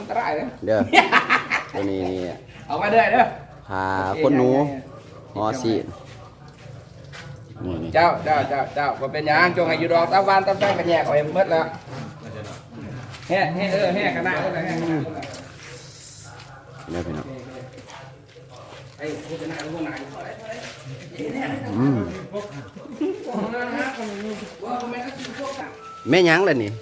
ตรายเลยเด้อตัวนี้นี่เอามาเด้อเด้อพาคนหนูหอสีเจ้าก็เป็นยังจงให้อยู่ดอกตะวันตะแป้งกันแยกเอาเองหมดแล้วแห่แห่กันหน้าก็ได้แห่กันหน้าเด้อพี่น้องไอ้ผู้ชนะผู้นายแม่ยังเลยนี่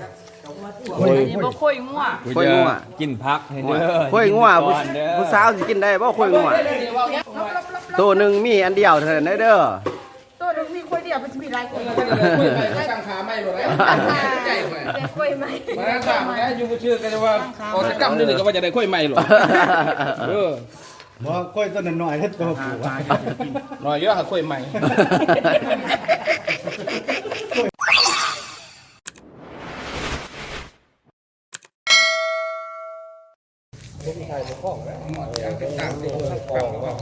ค่อยงัวค่อยงัวกินพักให้เด้อค่อยงัวผู้สาวสิกินได้บ่ค่อยงัวตัวหนึ่งมีอันเดียวเท่านั้นเด้อตัวนึงมีค่อยเดียวมันจะมีหลายคนสั่งขาไม่หมดเลยใจไหมค่อยไหมมาสั่งแล้วอยู่ชื่อกันว่าโอ้จะจำได้หนึ่งก็ว่าจะได้ค่อยไม่หรอบ่ค่อยต้นน้อยๆเฮ็ดตัวผู้หน่อยเยอะค่ะค่อยใหม่ลูกชายข้องแล้วยังเป็นต่างที่ข้างกลางหรือว่า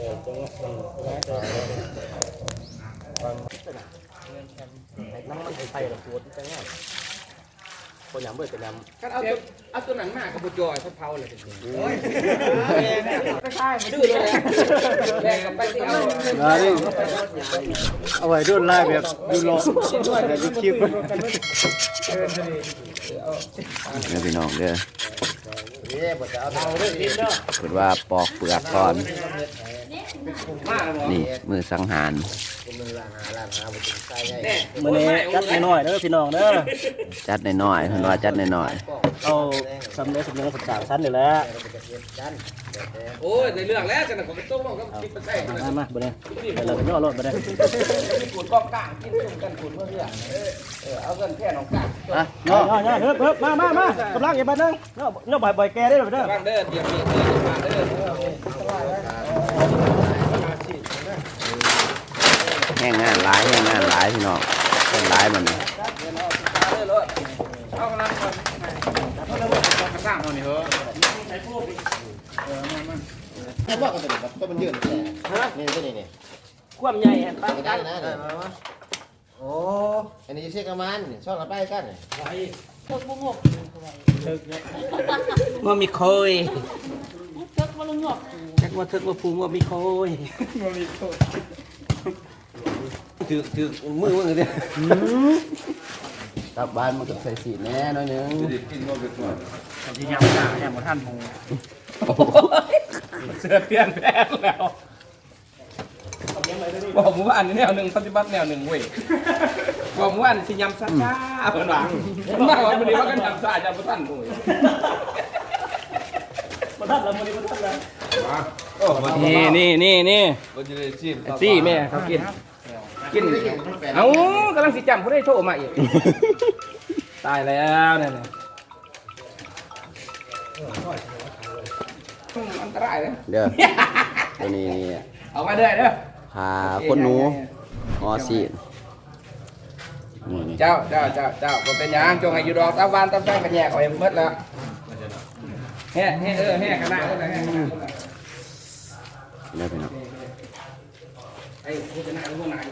น้ำมันไทยๆละปวดจังไงคนยำเบิดเป็นยำก็เอาตัวหนังหน้ากับบุจอยเขาเผาเลยจริงๆไม่ใช่ดื้อเลยแรงกับไปที่เอาไว้รุ่นไล่แบบดูโลแบบยูคลิปเด้อพี่น้องเด้อเปิดว่าปอกเปลือกก่อนนี่มือสังหารมื้อนี้จัดน้อยๆเด้อพี่น้องเด้อจัดน้อยๆเพิ่นว่าจัดน้อยๆเอาสำเร็จศึกษาชั้นนี่แหละโอ้ยในเรื่องแล้วจังผมไปต้มก็คิดไปใส่มาบ่ได้เราก็ย่อรถบ่ได้ขูดกองกลางกินส้มกันขูดเพื่อเอาเงินแค่น้องกลางอ่ะย่อๆเฮ้ยมากำลังอีกบัดนึงย่อบ่อยๆแกได้เด้อบ้านเด้อเดี๋ยวมีมาเด้ๆแห้งงานหลายพี่น้องแห้งหลายมันเอากำลังก่อนสร้างเอานี่เหรอนี่ว่ากันเป็นก็มันยืนนี่ตัวนี้นี่ความใหญ่เห็นปะได้นะโอ้อันนี้เช็คกันมันชอบกันไปกันเทิกบุ้งหกว่ามีคอยเทิกว่าลุงหยกจักว่าเทิกว่าภูมิว่ามีคอยถือมือเด้กลับบ้านมันก็ใส่สีแน่น้อยนึงที่ยำหน้าแหมท่านหูเสื้อเปลี่ยนแปลงแล้วบอกมึงว่าอันนี้แนวหนึ่งปฏิบัติแนวหนึ่งเว้ยบอกมึงว่าอันสิยำซ่าๆเหมือนหลังมากกว่าวันนี้ว่ากันยำซ่ายำประทันโอ้ยประทันแล้ววันนี้ประทันแล้วนี่ซี่แม่เขากินเอากำลังสิจำเขาได้โทรมาอีกตายแล้วเนี่ยอันตรายเลยเด้อตัวนี้เอามาเด้อพาคนหนูหอสีเจ้าก็เป็นยังจงให้อยู่ดอกตะวันตะแป้งกันแยกเอาเองหมดแล้วแห่กันหน้าก็ได้แห่กันหน้าเด้อพี่น้องไอ้ผู้ชนะผู้นาย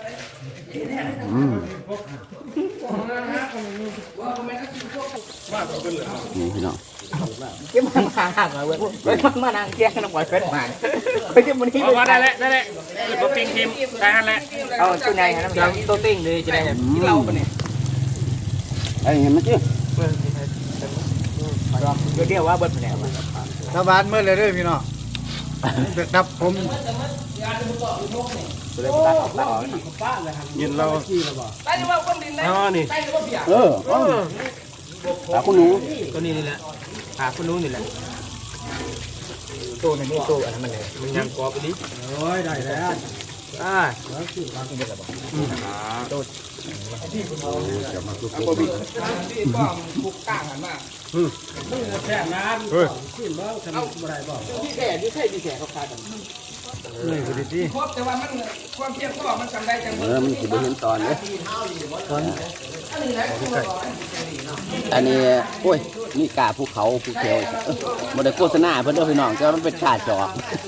นี่พี่น้องเก็บมันห่างๆเลยเว้ยมานั่งแกงน้ำหวานเฟ็ดมาเฮ้ยมันนี่ได้แล้วตัวปิ้งทีมได้แล้วเอาตัวไหนครับน้ำตัวติ้งเลยจะได้กินเหล้าปะเนี่ยไอ้เห็นมั้ยจิ๊เดี๋ยวว่าเบิดแนวชาวบ้านเมื่อไรเด้อพี่น้องครับผมยินเราได้ว่าคนดินได้นี่ได้ว่าเบียร์หาคนหนูตัวนี้นี่แหละหาคนนู้นนี่แหละตัวนี้ตัวอันนั้นมันเลยมันยังกรอบไปดิโอ้ยได้แล้วแล้วคือวางกันแบบตัวจะมาคือตัวบิ๊กที่ป้อมบุกกลางหันมาแค่นั้นขึ้นแล้วทำอะไรบ้างที่แก่ที่แก่เขาขาดกันนี่คือดีครบแต่ว่ามันความเพียรพ่อมันจำได้จังมันสิบ่เห็นตอนเลยอันนี้โอ้ยนี่กาภูเขาภูเขียวบ่ได้โฆษณาเพิ่นเด้อพี่น้องแต่มันเป็นกาจอก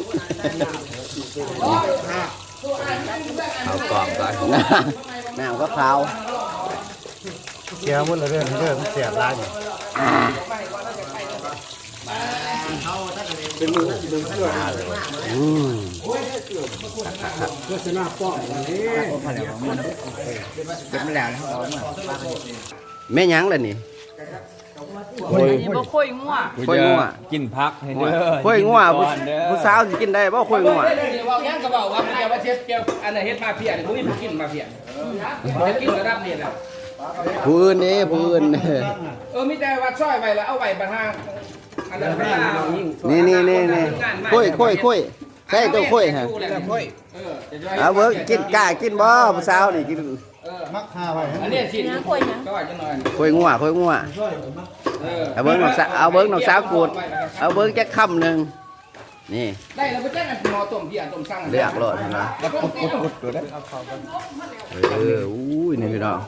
เอากล่องก่อนน้ำก็ขาวเสียหมดเลยเรื่องมันเสียบร้านอยู่อืมเป็นมาแล้วนะครับแม่หยังล่ะนี่อันนี้บ่ค่อยงัวค่อยงัวกินพักให้เด้อค่อยงัวผู้สาวสิกินได้บ่ค่อยงัวเดี๋ยวว่ายังก็บอกว่ามันจะว่าเชฟเกี่ยวอันไหนเฮ็ดมาเพียนี่บ่มีผู้กินมาเพียจะกินระดับนี้แหละผู้อื่นนี่ผู้อื่นมีแต่ว่าซอยไว้แล้วเอาไว้บรรทางอันนั้นไม่เอานี่ค่อยใช่ตัวค่อยฮะเอาเบิ่งกินกล้ากินบ่ผู้สาวนี่กินอันนี้ชิ้นก็ว่าจะหน่อยค่อยงัวเอาเบิ่งน้องสาวกูดเอาเบิ่งจักคำหนึงนี่ได้แล้วไปแจ้งกันหมอต้มเพียต้มสั่งเลือกโลดเห็นบ่อุ้ยนี่พี่น้อง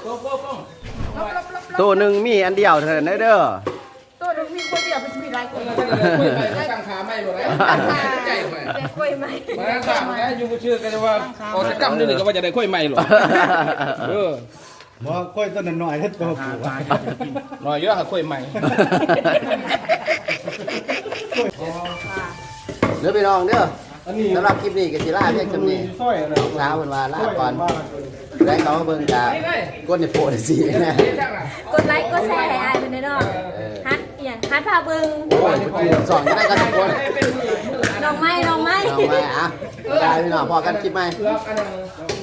ตัวหนึงมีอันเดียวเท่านั้นเด้อตัวนึงมีคนเดียวเป็นมีหลายคนสั่งขาไม่หมดเลยใจไปแต่ค่อยไหมมาถามแล้วอยู่ชื่อกันว่าออกจากกรรมนี่ก็ว่าจะได้ค่อยไม่หรอกบ่ค่อยต้นหน่อยเฮ็ดตัวผู้หน่อยเยอะค่ะค่อยไม่เด้อพี่น้องเด้อสำหรับคลิปนี้ก็สิลาเพียงจำนี้ซอยอะไรเช้าเพิ่นว่าลาก่อนแล้วเขามาเบิ่งกะกดในโพดสินะกดไลค์กดแชร์ให้อายเป็นเนาะฮัทอหย่างฮัทพาเบิ่งสอนได้กันทุกคนน้องไม้น้องมาอ่ะได้พี่น้องพอกันคลิปใหม่เลือกอันนึง